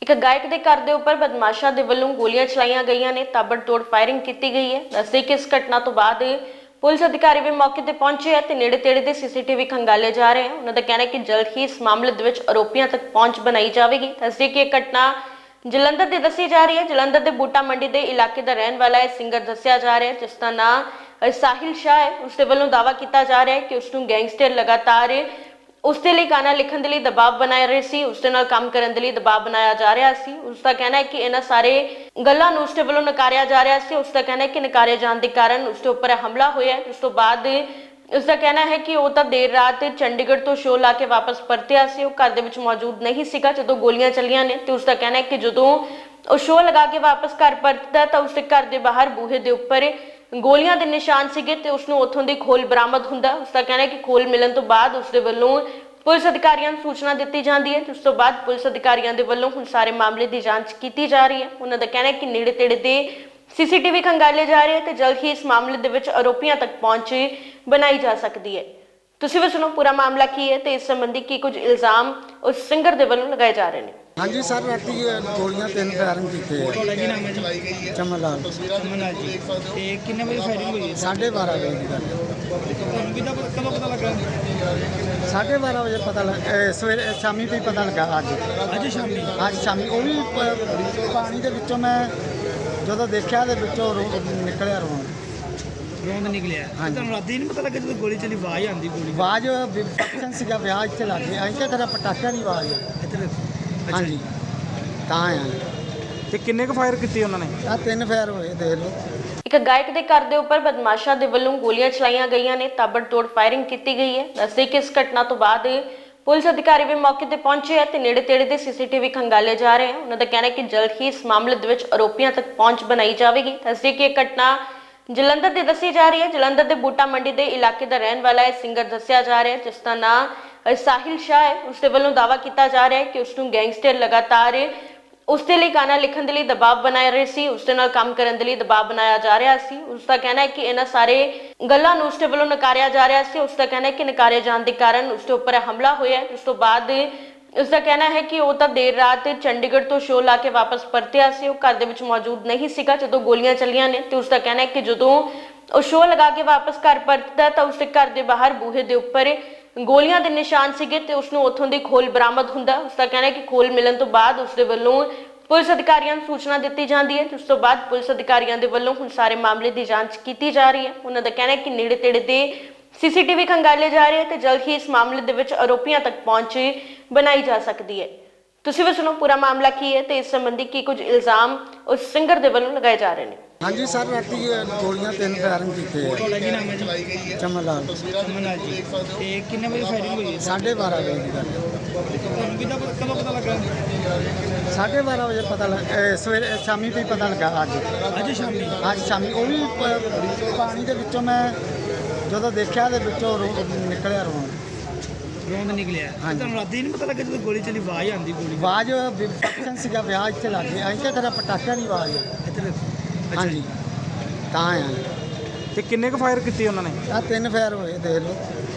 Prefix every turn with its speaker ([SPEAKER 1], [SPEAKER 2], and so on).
[SPEAKER 1] ਇੱਕ ਗਾਇਕ ਦੇ ਘਰ ਦੇ ਉੱਪਰ ਬਦਮਾਸ਼ਾਂ ਦੇ ਵੱਲੋਂ ਗੋਲੀਆਂ ਚਲਾਈਆਂ ਗਈਆਂ ਨੇ। ਤਾਬੜਤੋੜ ਫਾਇਰਿੰਗ ਕੀਤੀ ਗਈ ਹੈ। ਦੱਸਦੇ ਕਿ ਇਸ ਘਟਨਾ ਤੋਂ ਬਾਅਦ ਪੁਲਿਸ ਅਧਿਕਾਰੀ ਵੀ ਮੌਕੇ ਤੇ ਪਹੁੰਚੇ ਹੈ ਤੇ ਨੇੜੇ ਤੇੜੇ ਦੇ ਸੀਸੀਟੀਵੀ ਖੰਗਾਲੇ ਜਾ ਰਹੇ ਹਨ। ਉਹਨਾਂ ਦਾ ਕਹਿਣਾ ਹੈ ਕਿ ਜਲਦ ਹੀ ਇਸ ਮਾਮਲੇ ਦੇ ਵਿੱਚ ਆਰੋਪੀਆਂ ਤੱਕ ਪਹੁੰਚ ਬਣਾਈ ਜਾਵੇਗੀ। ਦੱਸਦੇ ਕਿ ਇਹ ਘਟਨਾ ਜਲੰਧਰ ਦੀ ਦੱਸੀ ਜਾ ਰਹੀ ਹੈ। ਜਲੰਧਰ ਦੇ ਬੂਟਾ ਮੰਡੀ ਦੇ ਇਲਾਕੇ ਦਾ ਰਹਿਣ ਵਾਲਾ ਇਹ ਸਿੰਗਰ ਦੱਸਿਆ ਜਾ ਰਿਹਾ ਹੈ, ਜਿਸ ਦਾ ਨਾਂ ਸਾਹਿਲ ਸ਼ਾਹ ਹੈ। ਉਸ ਦੇ ਵੱਲੋਂ ਦਾਅਵਾ ਕੀਤਾ ਜਾ ਰਿਹਾ ਹੈ ਕਿ ਉਸ ਨੂੰ ਗੈਂਗਸਟਰ ਲਗਾਤਾਰ ਉਸ ਦੇ ਲਈ ਗਾਣਾ ਲਿਖਣ ਦੇ ਲਈ ਦਬਾਅ ਬਣਾ ਰਹੇ ਸੀ, ਉਸ ਦੇ ਨਾਲ ਕੰਮ ਕਰਨ ਦੇ ਲਈ ਦਬਾਅ ਬਣਾਇਆ ਜਾ ਰਿਹਾ ਸੀ। ਉਸ ਦਾ ਕਹਿਣਾ ਹੈ ਕਿ ਇਹਨਾਂ ਸਾਰੇ ਗੱਲਾਂ ਨੂੰ ਉਸ ਦੇ ਵੱਲੋਂ ਨਕਾਰਿਆ ਜਾ ਰਿਹਾ ਸੀ। ਉਸ ਦਾ ਕਹਿਣਾ ਹੈ ਕਿ ਨਕਾਰੇ ਜਾਣ ਦੇ ਕਾਰਨ ਉਸ ਦੇ ਉੱਪਰ ਹਮਲਾ ਹੋਇਆ। ਉਸ ਤੋਂ ਬਾਅਦ ਉਸ ਦਾ ਕਹਿਣਾ ਹੈ ਕਿ ਉਹ ਤਾਂ ਦੇਰ ਰਾਤ ਚੰਡੀਗੜ੍ਹ ਤੋਂ ਸ਼ੋਅ ਲਾ ਕੇ ਵਾਪਸ ਪਰਤਿਆ ਸੀ। ਉਹ ਘਰ ਦੇ ਵਿੱਚ ਮੌਜੂਦ ਨਹੀਂ ਸੀਗਾ ਜਦੋਂ ਗੋਲੀਆਂ ਚੱਲੀਆਂ ਨੇ। ਤੇ ਉਸ ਦਾ ਕਹਿਣਾ ਹੈ ਕਿ ਜਦੋਂ ਉਹ ਸ਼ੋਅ ਲਗਾ ਕੇ ਵਾਪਸ ਘਰ ਪਰਤਦਾ ਤਾਂ ਉਸ ਦੇ ਘਰ ਦੇ ਬਾਹਰ ਬੂਹੇ ਦੇ ਉੱਪਰ ਗੋਲੀਆਂ ਦੇ ਨਿਸ਼ਾਨ ਸੀਗੇ ਤੇ ਉਸ ਨੂੰ ਉੱਥੋਂ ਦੀ ਖੋਲ ਬਰਾਮਦ ਹੁੰਦਾ। ਉਸ ਦਾ ਕਹਿਣਾ ਹੈ ਕਿ ਖੋਲ ਮਿਲਣ ਤੋਂ ਬਾਅਦ ਉਸ ਦੇ ਵੱਲੋਂ ਪੁਲਿਸ ਅਧਿਕਾਰੀਆਂ ਨੂੰ ਸੂਚਨਾ ਦਿੱਤੀ ਜਾਂਦੀ ਹੈ। ਉਸ ਤੋਂ ਬਾਅਦ ਪੁਲਿਸ ਅਧਿਕਾਰੀਆਂ ਦੇ ਵੱਲੋਂ ਹੁਣ ਸਾਰੇ ਮਾਮਲੇ ਦੀ ਜਾਂਚ ਕੀਤੀ ਜਾ ਰਹੀ ਹੈ। ਉਹਨਾਂ ਦਾ ਕਹਿਣਾ ਹੈ ਕਿ ਨੇੜੇ ਤੇੜੇ ਦੇ ਸੀਸੀਟੀਵੀ ਖੰਗਾਲੇ ਜਾ ਰਹੇ ਤੇ ਜਲਦ ਹੀ ਇਸ ਮਾਮਲੇ ਦੇ ਵਿੱਚ ਆਰੋਪੀਆਂ ਤੱਕ ਪਹੁੰਚ ਬਣਾਈ ਜਾ ਸਕਦੀ ਹੈ। ਤੁਸੀਂ ਵੀ ਸੁਣੋ ਪੂਰਾ ਮਾਮਲਾ ਕੀ ਹੈ ਤੇ ਇਸ ਸੰਬੰਧੀ ਕੀ ਕੁਝ ਇਲਜ਼ਾਮ ਉਸ ਸਿੰਗਰ ਦੇ ਵੱਲੋਂ ਲਗਾਏ ਜਾ ਰਹੇ ਨੇ।
[SPEAKER 2] ਹਾਂਜੀ ਸਰ, ਰਾਤੀ ਗੋਲੀਆਂ 3 ਫਾਇਰਿੰਗ ਕੀਤੇ ਆ।
[SPEAKER 3] ਤੁਹਾਡਾ ਕੀ ਨਾਮ ਹੈ ਜੀ?
[SPEAKER 2] ਚਮਨ ਲਾਲ।
[SPEAKER 3] ਚਮਨ ਜੀ। ਤੇ ਕਿੰਨੇ ਵਜੇ ਫਾਇਰਿੰਗ ਹੋਈ ਹੈ?
[SPEAKER 2] 12:30 ਵਜੇ ਦੀ ਗੱਲ ਹੈ।
[SPEAKER 3] ਤੁਹਾਨੂੰ ਕਿੱਦਾਂ ਕਦੋਂ ਪਤਾ ਲੱਗਾ?
[SPEAKER 2] 12:30 ਵਜੇ ਪਤਾ ਲੱਗਾ, ਸਵੇਰੇ ਸ਼ਾਮੀ ਵੀ ਪਤਾ ਲੱਗਾ।
[SPEAKER 3] ਅੱਜ ਸ਼ਾਮੀ?
[SPEAKER 2] ਅੱਜ ਸ਼ਾਮੀ ਉਹ ਵੀ ਪਾਣੀ ਦੇ ਵਿੱਚੋਂ ਮੈਂ ਜਦੋਂ ਦੇਖਿਆ ਦੇ ਵਿੱਚੋਂ ਨਿਕਲਿਆ
[SPEAKER 3] ਰੋਂਦ ਨਿਕਲਿਆ। ਤੁਹਾਨੂੰ ਰਾਤੀ ਨਹੀਂ ਪਤਾ ਲੱਗਾ ਜਦੋਂ ਗੋਲੀ ਚੱਲੀ ਆਵਾਜ਼ ਆਉਂਦੀ? ਗੋਲੀ
[SPEAKER 2] ਆਵਾਜ਼ ਫੰਕਸ਼ਨ ਸੀਗਾ, ਵਿਆਹ ਇੱਥੇ ਲੱਗ ਗਿਆ। ਅਸੀਂ ਕਿਹਾ ਪਟਾਕਿਆਂ ਦੀ ਆਵਾਜ਼ ਆ।
[SPEAKER 3] ਇੱਧਰ?
[SPEAKER 2] ਹਾਂਜੀ, ਤਾਂ ਆ।
[SPEAKER 4] ਤੇ ਕਿੰਨੇ ਕੁ ਫਾਇਰ ਕੀਤੇ ਉਹਨਾਂ ਨੇ?
[SPEAKER 2] ਆ 3 ਫਾਇਰ ਹੋਏ, ਦੇਖ ਲਓ।
[SPEAKER 1] ਇੱਕ ਗਾਇਕ ਦੇ ਘਰ ਦੇ ਉੱਪਰ ਬਦਮਾਸ਼ਾਂ ਦੇ ਵੱਲੋਂ ਗੋਲੀਆਂ ਚਲਾਈਆਂ ਗਈਆਂ ਨੇ। ਤਾਬੜਤੋੜ ਫਾਇਰਿੰਗ ਕੀਤੀ ਗਈ ਹੈ। ਦੱਸਦੇ ਕਿ ਇਸ ਘਟਨਾ ਤੋਂ ਬਾਅਦ ਪੁਲਿਸ ਅਧਿਕਾਰੀ ਵੀ ਮੌਕੇ ਤੇ ਪਹੁੰਚੇ ਹੈ ਤੇ ਨੇੜੇ ਤੇੜੇ ਦੇ ਸੀਸੀਟੀਵੀ ਖੰਗਾਲੇ ਜਾ ਰਹੇ ਹਨ। ਉਹਨਾਂ ਦਾ ਕਹਿਣਾ ਹੈ ਕਿ ਜਲਦ ਹੀ ਇਸ ਮਾਮਲੇ ਦੇ ਵਿੱਚ ਆਰੋਪੀਆਂ ਤੱਕ ਪਹੁੰਚ ਬਣਾਈ ਜਾਵੇਗੀ। ਦੱਸਦੇ ਕਿ ਇਹ ਘਟਨਾ ਜਲੰਧਰ ਦੀ ਦੱਸੀ ਜਾ ਰਹੀ ਹੈ। ਜਲੰਧਰ ਦੇ ਬੂਟਾ ਮੰਡੀ ਦੇ ਇਲਾਕੇ ਦਾ ਰਹਿਣ ਵਾਲਾ ਇਹ ਸਿੰਗਰ ਦੱਸਿਆ ਜਾ ਰਿਹਾ ਹੈ, ਜਿਸ ਦਾ ਨਾਂ ਸਾਹਿਲ ਸ਼ਾਹ ਹੈ। ਉਸ ਦੇ ਵੱਲੋਂ ਦਾਅਵਾ ਕੀਤਾ ਜਾ ਰਿਹਾ ਹੈ ਕਿ ਉਸ ਨੂੰ ਗੈਂਗਸਟਰ ਲਗਾਤਾਰ ਉਸ ਦੇ ਲਈ ਗਾਣਾ ਲਿਖਣ ਦੇ ਲਈ ਦਬਾਅ ਬਣਾ ਰਹੇ ਸੀ, ਉਸ ਦੇ ਨਾਲ ਕੰਮ ਕਰਨ ਦੇ ਲਈ ਦਬਾਅ ਬਣਾਇਆ ਜਾ ਰਿਹਾ ਸੀ। ਉਸ ਦਾ ਕਹਿਣਾ ਹੈ ਕਿ ਇਹਨਾਂ ਸਾਰੇ ਗੱਲਾਂ ਨੂੰ ਉਸ ਦੇ ਵੱਲੋਂ ਨਕਾਰਿਆ ਜਾ ਰਿਹਾ ਸੀ। ਉਸ ਦਾ ਕਹਿਣਾ ਹੈ ਕਿ ਨਕਾਰੇ ਜਾਣ ਦੇ ਕਾਰਨ ਉਸ ਦੇ ਉੱਪਰ ਹਮਲਾ ਹੋਇਆ। ਉਸ ਤੋਂ ਬਾਅਦ ਉਸ ਦਾ ਕਹਿਣਾ ਹੈ ਕਿ ਉਹ ਤਾਂ ਦੇਰ ਰਾਤ ਚੰਡੀਗੜ੍ਹ ਤੋਂ ਸ਼ੋਅ ਲਾ ਕੇ ਵਾਪਸ ਪਰਤਿਆ ਸੀ। ਉਹ ਘਰ ਦੇ ਵਿੱਚ ਮੌਜੂਦ ਨਹੀਂ ਸੀਗਾ ਜਦੋਂ ਗੋਲੀਆਂ ਚੱਲੀਆਂ ਨੇ। ਤੇ ਉਸ ਦਾ ਕਹਿਣਾ ਹੈ ਕਿ ਜਦੋਂ ਉਹ ਸ਼ੋਅ ਲਗਾ ਕੇ ਵਾਪਸ ਘਰ ਪਰਤਦਾ ਤਾਂ ਉਸ ਦੇ ਘਰ ਦੇ ਬਾਹਰ ਬੂਹੇ ਦੇ ਉੱਪਰ ਗੋਲੀਆਂ ਦੇ ਨਿਸ਼ਾਨ ਸੀਗੇ ਤੇ ਉਸ ਨੂੰ ਉੱਥੋਂ ਦੀ ਖੋਲ ਬਰਾਮਦ ਹੁੰਦਾ। ਉਸ ਦਾ ਕਹਿਣਾ ਹੈ ਕਿ ਖੋਲ ਮਿਲਣ ਤੋਂ ਬਾਅਦ ਉਸ ਦੇ ਵੱਲੋਂ ਪੁਲਿਸ ਅਧਿਕਾਰੀਆਂ ਨੂੰ ਸੂਚਨਾ ਦਿੱਤੀ ਜਾਂਦੀ ਹੈ। ਉਸ ਤੋਂ ਬਾਅਦ ਪੁਲਿਸ ਅਧਿਕਾਰੀਆਂ ਦੇ ਵੱਲੋਂ ਹੁਣ ਸਾਰੇ ਮਾਮਲੇ ਦੀ ਜਾਂਚ ਕੀਤੀ ਜਾ ਰਹੀ ਹੈ। ਉਹਨਾਂ ਦਾ ਕਹਿਣਾ ਹੈ ਕਿ ਨੇੜੇ ਤੇੜੇ ਦੇ ਸੀਸੀਟੀਵੀ ਖੰਗਾਲੇ ਜਾ ਰਹੇ ਤੇ ਜਲਦ ਹੀ ਇਸ ਮਾਮਲੇ ਦੇ ਵਿੱਚ ਆਰੋਪੀਆਂ ਤੱਕ ਪਹੁੰਚ ਬਣਾਈ ਜਾ ਸਕਦੀ ਹੈ। ਤੁਸੀਂ ਵੀ ਸੁਣੋ ਪੂਰਾ ਮਾਮਲਾ ਕੀ ਹੈ ਤੇ ਇਸ ਸੰਬੰਧੀ ਕੀ ਕੁਝ ਇਲਜ਼ਾਮ ਉਸ ਸਿੰਗਰ ਦੇ ਵੱਲੋਂ ਲਗਾਏ ਜਾ ਰਹੇ ਨੇ।
[SPEAKER 2] ਹਾਂਜੀ ਸਰ, ਰਾਤੀ ਗੋਲੀਆਂ 3 ਫਾਇਰਿੰਗ ਕੀਤੇ ਆ।
[SPEAKER 3] ਤੁਹਾਡਾ ਕੀ ਨਾਮ ਹੈ ਜੀ?
[SPEAKER 2] ਚਮਨ ਲਾਲ।
[SPEAKER 3] ਚਮਨ ਜੀ। ਤੇ ਕਿੰਨੇ ਵਜੇ ਫਾਇਰਿੰਗ ਹੋਈ ਹੈ?
[SPEAKER 2] 12:30 ਵਜੇ ਦੀ ਗੱਲ ਹੈ।
[SPEAKER 3] ਤੁਹਾਨੂੰ ਕਿੱਦਾਂ ਕਦੋਂ ਪਤਾ ਲੱਗਾ?
[SPEAKER 2] 12:30 ਵਜੇ ਪਤਾ ਲੱਗਾ, ਸਵੇਰੇ ਸ਼ਾਮੀ ਵੀ ਪਤਾ ਲੱਗਾ।
[SPEAKER 3] ਅੱਜ ਸ਼ਾਮੀ?
[SPEAKER 2] ਅੱਜ ਸ਼ਾਮੀ ਉਹ ਵੀ ਪਾਣੀ ਦੇ ਵਿੱਚੋਂ ਮੈਂ ਜਦੋਂ ਦੇਖਿਆ ਦੇ ਵਿੱਚੋਂ ਨਿਕਲਿਆ
[SPEAKER 3] ਰੋਂਦ ਨਿਕਲਿਆ। ਤੁਹਾਨੂੰ ਰਾਤੀ ਨਹੀਂ ਪਤਾ ਲੱਗਾ ਜਦੋਂ ਗੋਲੀ ਚੱਲੀ ਆਵਾਜ਼ ਆਉਂਦੀ? ਗੋਲੀ
[SPEAKER 2] ਆਵਾਜ਼ ਫੰਕਸ਼ਨ ਸੀਗਾ, ਵਿਆਹ ਇੱਥੇ ਲੱਗ ਗਿਆ। ਅਸੀਂ ਕਿਹਾ ਪਟਾਕਿਆਂ ਦੀ ਆਵਾਜ਼ ਆ।
[SPEAKER 3] ਇੱਧਰ?
[SPEAKER 2] ਹਾਂਜੀ, ਤਾਂ ਆ।
[SPEAKER 4] ਤੇ ਕਿੰਨੇ ਕੁ ਫਾਇਰ ਕੀਤੇ ਉਹਨਾਂ ਨੇ?
[SPEAKER 2] ਆ 3 ਫਾਇਰ ਹੋਏ, ਦੇਖ ਲਓ।